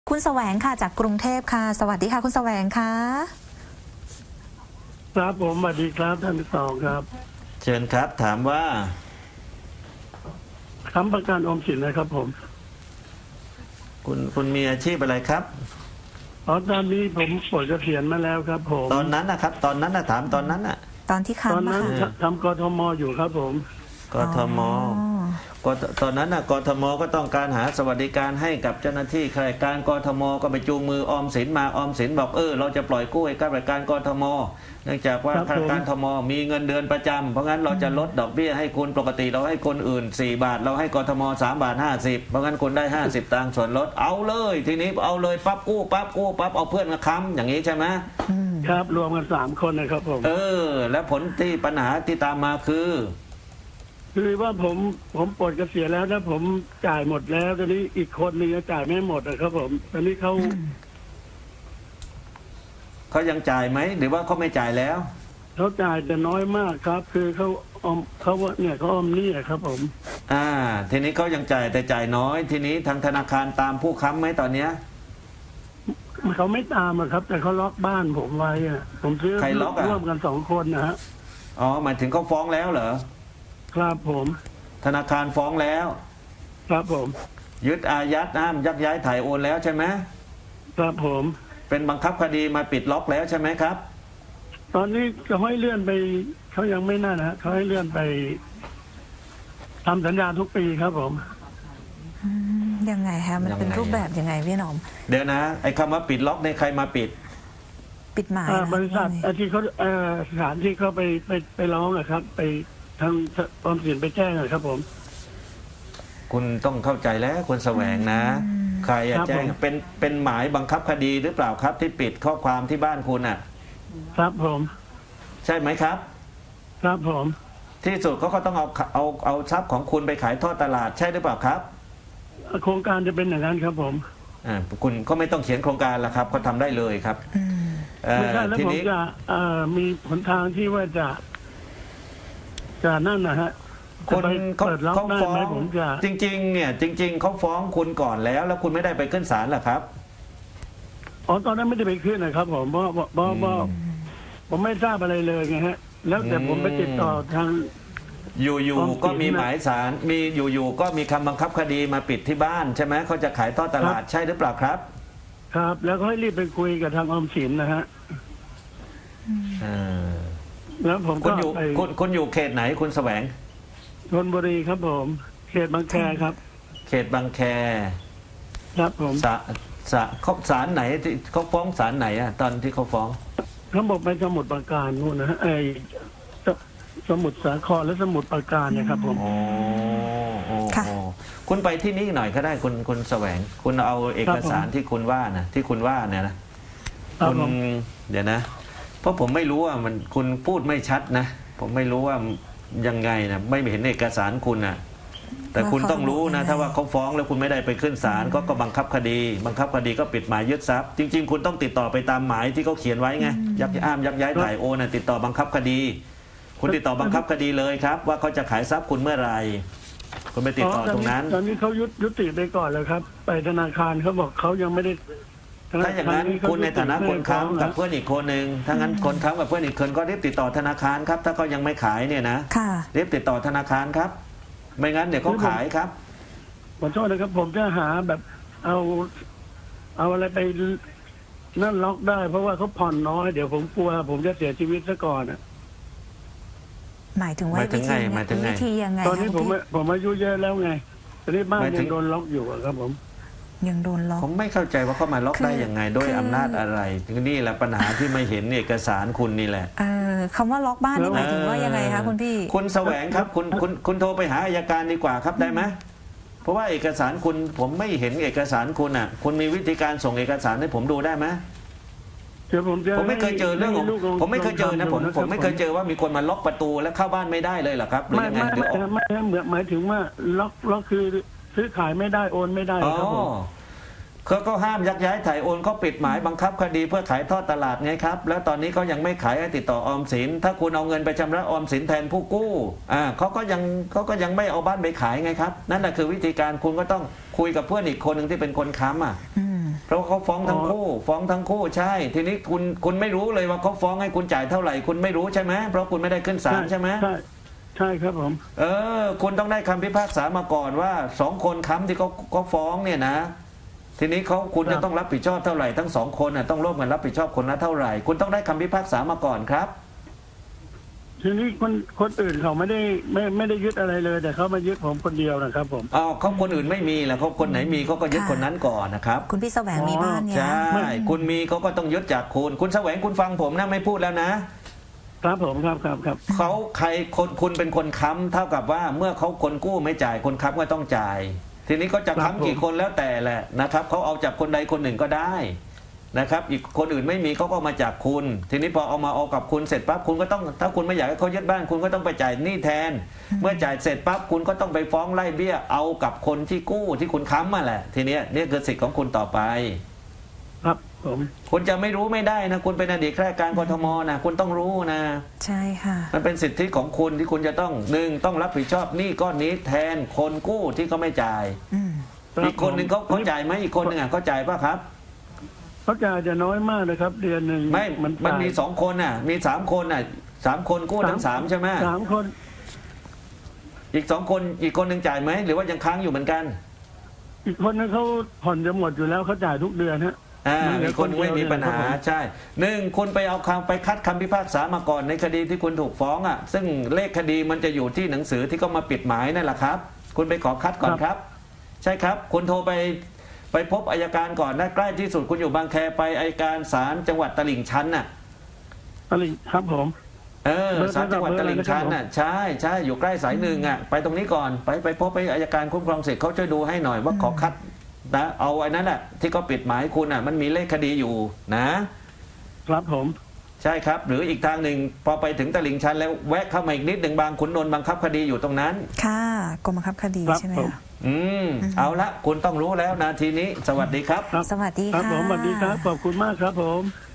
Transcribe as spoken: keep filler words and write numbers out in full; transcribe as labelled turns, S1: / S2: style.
S1: คุณแสวงค่ะจากกรุงเทพค่ะสวัสดีค่ะคุณแสวงค่ะ
S2: ครับผมสวัสดีครับท่านที่สองครับ
S3: เชิญครับถามว่า
S2: ค้ำประกันออมสินนะครับผม
S3: คุณคุณมีอาชีพอะไรครับ
S2: อ๋อตอนนี้ผมปลดเกษียณมาแล้วครับผม
S3: ตอนนั้นนะครับ ตอนนั้นนะถามตอนนั้นน่ะ
S1: ตอนที่
S2: ตอน
S1: ค้ำ
S2: นั้น
S1: ค่ะ
S2: ทำกทมอยู่ครับผม
S3: กทมกทตอนนั้นน่ะกทมก็ต้องการหาสวัสดิการให้กับเจ้าหน้าที่ข้าราชการกทมก็ไปจูงมือออมสินมาออมสินบอกเออเราจะปล่อยกู้ให้ข้าราชการกทมเนื่องจากว่า
S2: ครับ
S3: ข้าราชการทมมีเงินเดือนประจำเพราะงั้นเราจะลดดอกเบี้ยให้คุณปกติเราให้คนอื่นสี่บาทเราให้กทมสามบาทห้าสิบเพราะงั้นคุณได้ห้าสิบตังค์ส่วนลดเอาเลยทีนี้เอาเลยปั๊บกู้ปั๊บกู้ปั๊บเอาเพื่อนมาค้ำอย่างนี้ใช่ไหม
S2: ครับรวมกันสามคนนะครับผม
S3: เออ แล้วผลที่ปัญหาที่ตามมาคือ
S2: คือว่าผมผมปลดเกษียณแล้วแล้วผมจ่ายหมดแล้วตอนนี้อีกคนนึงจ่ายไม่หมดนะครับผมตอนนี้เขา
S3: เขายังจ่ายไหมหรือว่าเขาไม่จ่ายแล้ว
S2: เขาจ่ายแต่น้อยมากครับ คือเขาออมเขาว่าเนี่ยเขาออมหนี่ครับผม
S3: อ่า ทีนี้เขายังจ่ายแต่จ่ายน้อย ทีนี้ทางธนาคารตามผู้ค้ำไหมตอนเนี้ย
S2: เขาไม่ตามอะครับ แต่เขาล็อกบ้านผมไว้อะผมซื้อ
S3: ใครล็อกอะ
S2: ร่วมกันสองคนนะฮะ
S3: อ๋อหมายถึงเขาฟ้องแล้วเหรอ
S2: ครับผม
S3: ธนาคารฟ้องแล้ว
S2: ครับผม
S3: ยึดอายัดห้ามยักย้ายถ่ายโอนแล้วใช่ไหม
S2: ครับผม
S3: เป็นบังคับคดีมาปิดล็อกแล้วใช่ไหมครับ
S2: ตอนนี้เขาให้เลื่อนไปเขายังไม่น่านะฮะเขาให้เลื่อนไปทำสัญญาทุกปีครับผม
S1: ยังไงคะมันเป็น
S3: ยังไง
S1: รูปแบบยังไงพี่หนอม
S3: เดี๋ยวนะ ไอ้คำว่าปิดล็อกในยใครมาปิด
S1: ปิดหมาย
S2: อ่า
S1: นะ
S2: บริษัท
S1: ว่าไง
S2: อ่าที่เขาเอ่อสถานที่เขาไปไปไปร้องอะครับ ไปทางออมสินไปแจ้งอะครับผม
S3: คุณต้องเข้าใจแล้วคุณแสวงนะ ใครอะ
S2: ครับ
S3: แจ้ง
S2: ผม
S3: เป็นเป็นหมายบังคับคดีหรือเปล่าครับ ที่ปิดข้อความที่บ้านคุณอ่ะ
S2: ครับผม
S3: ใช่ไหมครับ
S2: ครับผม
S3: ที่สุดเขาก็ต้องเอาเอาเอาทรัพย์ของคุณไปขายทอดตลาดใช่หรือเปล่าครับ
S2: โครงการจะเป็นอย่างนั้นครับผม
S3: อ่าคุณก็ไม่ต้องเขียนโครงการละครับเขาทำได้เลยครับ
S1: อืม
S3: เอ่อ
S2: ไม่ใช่แล้ว
S3: ที
S2: ผม
S3: นี้
S2: จะเอ่อมีหนทางที่ว่าจะจะนั่นนะฮะ
S3: ค
S2: จะ
S3: น
S2: ไป
S3: เขา
S2: เปิดล็อก
S3: เขา
S2: ได้
S3: ฟ้อ
S2: ไหม
S3: ง
S2: ผมจะ
S3: จริงๆเนี่ยจริง ๆเขาฟ้องคุณก่อนแล้ว แล้วคุณไม่ได้ไปขึ้นศาลเหรอครับ
S2: อ๋อตอนนั้นไม่ได้ไปขึ้นนะครับผมเพราะเพราะเพราะเพราะผมไม่ทราบอะไรเลยไงฮะ แล้วแต่ผมไปติดต่อทาง
S3: อยู่
S2: ฟ้อง
S3: ๆก็มี
S2: จริงนะ
S3: หมายศาลมีอยู่ๆก็มีคำบังคับคดีมาปิดที่บ้านใช่ไหมเขาจะขายทอดตลาดใช่หรือเปล่าครับ
S2: ครับ แล้วก็ให้รีบไปคุยกับทางออมสินนะฮะ
S3: เออ
S2: แล้วผม
S3: คุ
S2: ก็
S3: ณอยู่
S2: ไป
S3: คุณคุณอยู่เขตไหนคุณแสวง
S2: ชลบุรีครับผมเขตบางแคครับ
S3: เขตบางแค
S2: ครับผม
S3: ศาศาเขาศาลไหนที่เขาฟ้องศาลไหนอะตอนที่เขาฟ้อง
S2: เขาบอกไปสมุดปราการนู่นนะฮะไอ้สสมุดสาครและสมุดปราการเนี่ยครับผม
S3: โอ้โอ้โอ้คุณไปที่นี่หน่อยก็ได้คุณคุณแสวง คุณเอาเอกสารที่คุณว่านะที่คุณว่าเนี่ยนะครับ คุณ
S2: ผม
S3: เดี๋ยวนะ เพราะผมไม่รู้ว่ามันคุณพูดไม่ชัดนะ ผมไม่รู้ว่ายังไงนะไม่เห็นเอกสารคุณนะแต่คุณต้องรู้นะ ถ้าว่าเขาฟ้องแล้วคุณไม่ได้ไปขึ้นศาลก็ก็บังคับคดี บังคับคดีก็ปิดหมายยึดทรัพย์จริง ๆ คุณต้องติดต่อไปตามหมายที่เขาเขียนไว้ไงยักย้ายยักย้ายถ่ายโอนนะติดต่อบังคับคดี คุณติดต่อบังคับคดีเลยครับ ว่าเขาจะขายทรัพย์คุณเมื่อไหร่คุณไปติดต่อตรงนั้น
S2: ตอนนี้เขายุยุติไปก่อนแล้วครับ ไปธนาคารเขาบอกเขายังไม่ได้
S3: ถ้าอย่างนั้นคุณในฐานะคนค้ำกับเพื่อนอีกคนหนึ่งถ้างั้นคนค้ำกับเพื่อนอีกคนก็รีบติดต่อธนาคารครับ ถ้าเขายังไม่ขายเนี่ยนะ
S1: ค่ะ
S3: รีบติดต่อธนาคารครับ ไม่งั้นเดี๋ยวเขาขายครับ
S2: ขอโทษนะครับ ผมจะหาแบบเอา เอาอะไรไปนั่นล็อกได้ เพราะว่าเขาผ่อนน้อยเดี๋ยวผมกลัวผมจะเสียชีวิตซะก่อนอะ
S1: หมายถึงว่า
S3: หมายถึงไงหมายถึงไง
S1: วิธียังไง
S2: ตอนนี้
S1: คะ
S2: ผม
S1: พี่
S2: ผมอายุเยอะแล้วไงตอนนี้บ้าน
S3: หมายถึ
S2: ยัง งโดนล็อกอยู่อะครับผม
S1: ยังโดนล็อก
S3: ผมไม่เข้าใจว่าเขามาล็อก
S1: คือ
S3: ได้ยังไงด้วย
S1: คือ
S3: อำนาจอะไรนี่แหละปัญหาที่ไม่เห็นเอกสารคุณนี่แหละ
S1: เออคำว่าล็อกบ้านนี่หมายถึงว่ายังไงคะคุณพี่
S3: คุณแสวงครับคุณคุณคุณโทรไปหาอัยการดีกว่าครับได้ไหมเพราะว่าเอกสารคุณผมไม่เห็นเอกสารคุณอ่ะ คุณมีวิธีการส่งเอกสารให้ผมดูได้ไหม
S2: เดี๋ยวผมจะ
S3: ผมไม่เคยเจอเรื่องของ
S2: ให้ลูกล
S3: ผมไม่เคยเจอนะผม
S2: ลงทำดู
S3: ผมไม่เคยเจอว่ามีคนมาล็อกประตูแล้วเข้าบ้านไม่ได้เลยเหรอครับหรือ
S2: ไม่
S3: ยังไง
S2: ไม่
S3: หรือ
S2: ไม่
S3: ออก
S2: ไม่ไม่เหมือนหมายถึงว่าล็อกล็อกคือซื้อขายไม่ได้โอนไม่ได้
S3: อ๋อ
S2: ครับผม
S3: เขาก็ห้ามยักย้ายถ่ายโอนเขาปิดหมายบังคับคดีเพื่อขายทอดตลาดไงครับ แล้วตอนนี้เขายังไม่ขายให้ติดต่อออมสินถ้าคุณเอาเงินไปชำระออมสินแทนผู้กู้อ่าเขาก็ยังเขาก็ยังไม่เอาบ้านไปขายไงครับนั่นแหละคือวิธีการคุณก็ต้องคุยกับเพื่อนอีกคนหนึ่งที่เป็นคนค้ำอ่ะ
S1: อืม
S3: เพราะเขาฟ้องทั้งคู่ ฟ้องทั้งคู่ใช่ ทีนี้คุณคุณไม่รู้เลยว่าเขาฟ้องให้คุณจ่ายเท่าไหร่คุณไม่รู้ใช่ไหมเพราะคุณไม่ได้ขึ้นศาลใช่ไหม
S2: ใช่ใช่ครับผม
S3: เออคุณต้องได้คำพิพากษามาก่อนว่าสองคนค้ำที่เขาเขาฟ้องเนี่ยนะ ทีนี้เขาคุณจะต้องรับผิดชอบเท่าไหร่ทั้งสองคนน่ะต้องร่วมกันรับผิดชอบคนละเท่าไหร่ คุณต้องได้คำพิพากษามาก่อนครับ
S2: ทีนี้คนคนอื่นเขาไม่ได้ไม่ไม่ได้ยึดอะไรเลย แต่เขามายึดผมคนเดียวนะครับผม
S3: อ๋อเขาคนอื่นไม่มีแล้วเขาคนไหนมีเขาก็ยึดคนนั้นก่อนนะครับ
S1: คุณพี่แสวงมีบ้านเนี่ย
S3: ใช่คุณมีเขาก็ต้องยึดจากคุณ คุณแสวงคุณฟังผมนะไม่พูดแล้วนะ
S2: ครับผมครับครับครับ
S3: เขาใครคนคุณเป็นคนค้ำเท่ากับว่าเมื่อเขาคนกู้ไม่จ่ายคนค้ำก็ต้องจ่าย ทีนี้ก็จะค้ำกี่คนแล้วแต่แหละนะครับเขาเอาจากคนใดคนหนึ่งก็ได้นะครับอีกคนอื่นไม่มีเขาก็มาจากคุณ ทีนี้พอเอามาเอากับคุณเสร็จปั๊บคุณก็ต้องถ้าคุณไม่อยากให้เขายึดบ้านคุณก็ต้องไปจ่ายหนี้แทน เมื่อจ่ายเสร็จปั๊บคุณก็ต้องไปฟ้องไล่เบี้ยเอากับคนที่กู้ที่คุณค้ำมาแหละทีเนี้ยนี่คือสิทธิ์ของคุณต่อไป
S2: ครับผม
S3: คุณจะไม่รู้ไม่ได้นะคุณเป็นอดีตข้าราชการกทมนะคุณต้องรู้นะ
S1: ใช่ค่ะ
S3: มันเป็นสิทธิของคุณที่คุณจะต้องหนึ่งต้องรับผิดชอบหนี้ก้อนนี้แทนคนกู้ที่เขาไม่จ่าย
S1: อืม
S2: รับ
S3: อีกคนหนึ่งเขาเขาจ่ายไหมอีกคนหนึ่งอ่ะเขาจ่ายป่ะครับ
S2: เขาจ่ายจะน้อยมากเลยครับ เดือนหนึ่ง
S3: ไม่มัน
S2: จ่าย
S3: มีสองคนน่ะ มีสามคนน่ะสามคนกู้ทั้งสามใช่ไหม
S2: สามคน
S3: อีกสองคนอีกคนหนึ่งจ่ายไหมหรือว่ายังค้างอยู่เหมือนกัน
S2: อีกคนนึงเขาผ่อนจะหมดอยู่แล้วเขาจ่ายทุกเดือนฮะ
S3: อ่า
S2: มันเหลื
S3: มี
S2: อ
S3: คนไม่
S2: คนเดียว
S3: มีปัญหา
S2: เนี่ยนะครับผม
S3: ใช่หนึ่งคุณไปเอาคำไปคัดคำพิพากษามาก่อนในคดีที่คุณถูกฟ้องอ่ะซึ่งเลขคดีมันจะอยู่ที่หนังสือที่เขามาปิดหมายนั่นแหละครับ คุณไปขอคัดก่อนครับ ใช่ครับ คุณโทรไปไปพบอัยการก่อนนะใกล้ที่สุดคุณอยู่บางแคไปอัยการศาลจังหวัดตลิ่งชันน่ะ
S2: อะไรครับผม
S3: เออ
S2: เบอร์
S3: ศาลจังหวัดตลิ่งชันน่ะใช่ใช่อยู่ใกล้สายหนึ่งอ่ะไปตรงนี้ก่อนไปไปพบไปอัยการคุ้มครองสิทธิ์เขาช่วยดูให้หน่อยว่าขอคัดนะเอาไอ้นั้นแหละที่เขาปิดหมายคุณอ่ะมันมีเลขคดีอยู่นะ
S2: ครับผม
S3: ใช่ครับ หรืออีกทางหนึ่งพอไปถึงตลิ่งชันแล้วแวะเข้ามาอีกนิดหนึ่งบางขุนนนท์บังคับคดีอยู่ตรงนั้น
S1: ค่ะกรมบังคับคดีใช่ไหมคะ
S3: อืมเอาละคุณต้องรู้แล้วนาทีนี้ สวัสดีครับ
S2: ครับ
S1: สวัสดี
S2: ครับ
S1: ค่ะ
S2: ผมสวัสดีครับ ขอบคุณมากครับผม